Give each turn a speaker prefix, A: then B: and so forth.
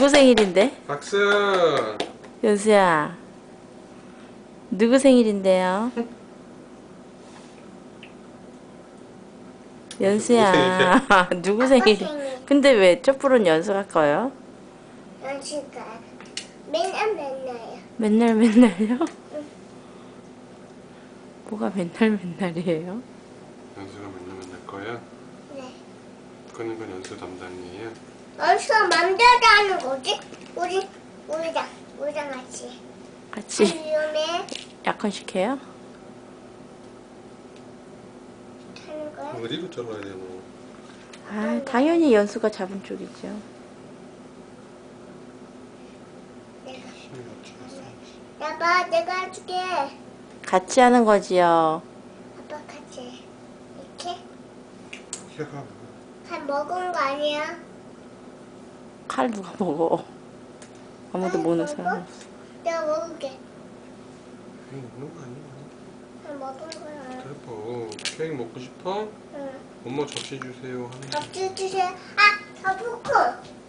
A: 누구 생일인데?
B: 박수.
A: 연수야, 누구 생일인데요? 연수야, 누구 생일?
C: 생일.
A: 근데 왜 촛불은 연수가 꺼요?
C: 연수가 맨날요.
A: 맨날요? 뭐가 맨날이에요?
B: 연수가 맨날 거야?
C: 네.
B: 끄는 건 연수 담당이에요.
C: 연수가 맘대로 하는 거지? 우리랑 같이.
A: 같이
C: 위험해.
A: 약혼식 해요?
C: 하는 거야?
B: 어디로 잘라야 되노?
A: 아, 당연히 연수가 잡은 쪽이죠.
B: 힘이 없어서.
C: 아빠 내가 해줄게.
A: 같이 하는 거지요.
C: 아빠 같이. 이렇게?
B: 혀가
C: 한 먹은 거 아니야?
A: 칼 누가 먹어? 아무도 모르는 사람.
C: 내가 먹을게.
B: 케이크 먹는 거 아니야?
C: 한 먹은 거야.
B: 대박. 케이크 먹고 싶어?
C: 응.
B: 엄마 접시 주세요 하는 거.
C: 접시 주세요. 아, 저 포크.